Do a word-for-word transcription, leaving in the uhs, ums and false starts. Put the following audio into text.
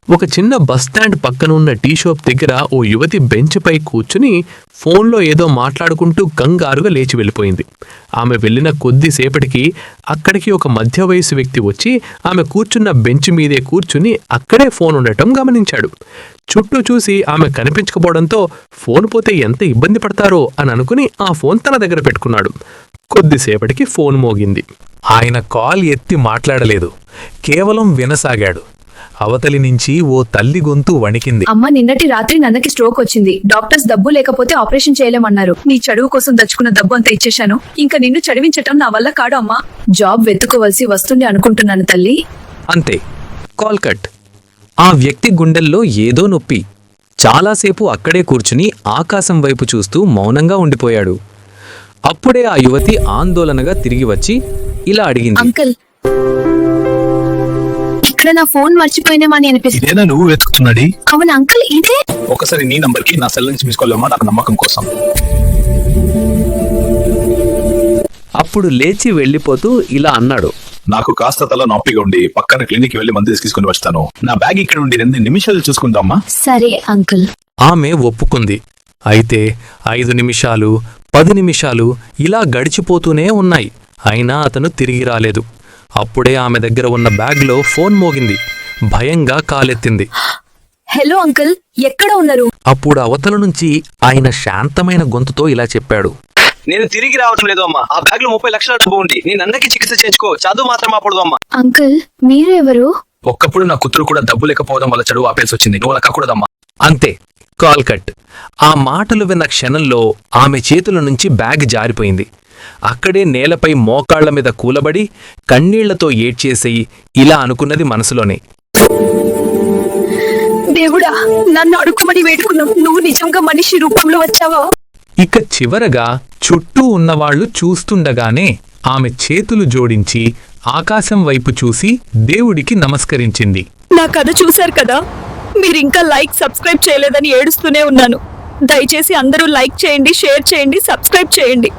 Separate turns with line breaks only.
ఒక చిన్న బస్టాండ్ పక్కన ఉన్న టీ షాప్ దగ్గర ఓ యువతి బెంచ్పై కూర్చుని ఫోన్లో ఏదో మాట్లాడుకుంటూ కంగారుగా లేచి వెళ్ళిపోయింది. ఆమె వెళ్ళిన కొద్దిసేపటికి అక్కడికి ఒక మధ్య వయసు వ్యక్తి వచ్చి ఆమె కూర్చున్న బెంచ్ మీదే కూర్చుని అక్కడే ఫోన్ ఉండటం గమనించాడు. చుట్టూ చూసి ఆమె కనిపించకపోవడంతో ఫోన్ పోతే ఎంత ఇబ్బంది పడతారో అని అనుకుని ఆ ఫోన్ తన దగ్గర పెట్టుకున్నాడు. కొద్దిసేపటికి ఫోన్ మోగింది.
ఆయన కాల్ ఎత్తి మాట్లాడలేదు, కేవలం వినసాగాడు. అవతలి నుంచి ఓ తల్లి గొంతు వణికింది.
అమ్మ, నిన్నటి రాత్రి నాన్నకి స్ట్రోక్ వచ్చింది. డాక్టర్స్ డబ్బు లేకపోతే ఆపరేషన్ చేయలేమన్నారు. నీ చదువు కోసం దచ్చుకున్న డబ్బు అంతా ఇచ్చేశాను. ఇంకా నిన్ను చదివించటం నా వల్ల కాడు అమ్మా. జాబ్ వెతుకోవలసి వస్తుంది అనుకుంటున్నాను తల్లి.
అంతే, కాల్ కట్. ఆ వ్యక్తి గుండెల్లో ఏదో నొప్పి. చాలాసేపు అక్కడే కూర్చుని ఆకాశం వైపు చూస్తూ మౌనంగా ఉండిపోయాడు. అప్పుడే ఆ యువతి ఆందోళనగా తిరిగి వచ్చి ఇలా అడిగింది,
అంకుల్, ఇక్కడ నా ఫోన్ మర్చిపోయినామని అనిపిస్తుంది.
ఇదేనా నువ్వు వెతుకుతున్నది?
అవును అంకుల్, ఇదే.
ఒకసారి నీ నంబర్ కి నా సెల్ నుంచి తీసుకోలేమా, నాకు నమ్మకం కోసం.
అప్పుడు లేచి వెళ్ళిపోతూ ఇలా అన్నాడు,
నాకు కాస్త తల నొప్పిగా ఉండి పక్కన క్లినిక్ వెళ్లి మందు తీసుకుని వస్తాను. నా బ్యాగ్ ఇక్కడ ఉండి రెండు నిమిషాలు చూసుకుందామా?
సరే అంకుల్.
ఆమె ఒప్పుకుంది. అయితే ఐదు నిమిషాలు పది నిమిషాలు ఇలా గడిచిపోతూనే ఉన్నాయి. అయినా అతను తిరిగి రాలేదు. అప్పుడే ఆమె దగ్గర ఉన్న బ్యాగ్లో ఫోన్ మోగింది. భయంగా కాలెత్తింది.
హలో అంకుల్, ఎక్కడ ఉన్నారు?
అప్పుడు అవతల నుంచి ఆయన శాంతమైన గొంతుతో ఇలా చెప్పాడు,
నేను తిరిగి రావడం లేదు అమ్మా. ఆ బ్యాగ్ లో ముప్పై లక్షల డబ్బు ఉంది. నేను అన్నకి చికిత్స చేసుకో, చదువు మాత్రం ఆపడదు అమ్మా.
అంకుల్, మీరు ఎవరు?
ఒక్కప్పుడు నా కూతురు కూడా డబ్బు లేకపోవడం వల్ల చదువు ఆపేసి వచ్చింది. నువ్వు అలా కాకూడదమ్మా.
అంతే, కాల్ కట్. ఆ మాటలు విన్న క్షణంలో ఆమె చేతుల నుంచి బ్యాగ్ జారిపోయింది. అక్కడే నేలపై మోకాళ్ల మీద కూలబడి కన్నీళ్లతో ఏడ్చేసేయి ఇలా అనుకున్నది మనసులోనే,
దేవుడా, నన్ను అడుక్కుమని వేడుకున్నావు. నువ్వు నిజంగా మనిషి రూపంలో వచ్చావా?
ఇక చివరగా చుట్టూ ఉన్నవాళ్లు చూస్తుండగానే ఆమె చేతులు జోడించి ఆకాశం వైపు చూసి దేవుడికి నమస్కరించింది.
నా కథ చూశారు కదా. మీరు ఇంకా లైక్ సబ్స్క్రైబ్ చేయలేదని ఏడుస్తూనే ఉన్నాను. దయచేసి అందరూ లైక్ చేయండి, షేర్ చేయండి, సబ్స్క్రైబ్ చేయండి.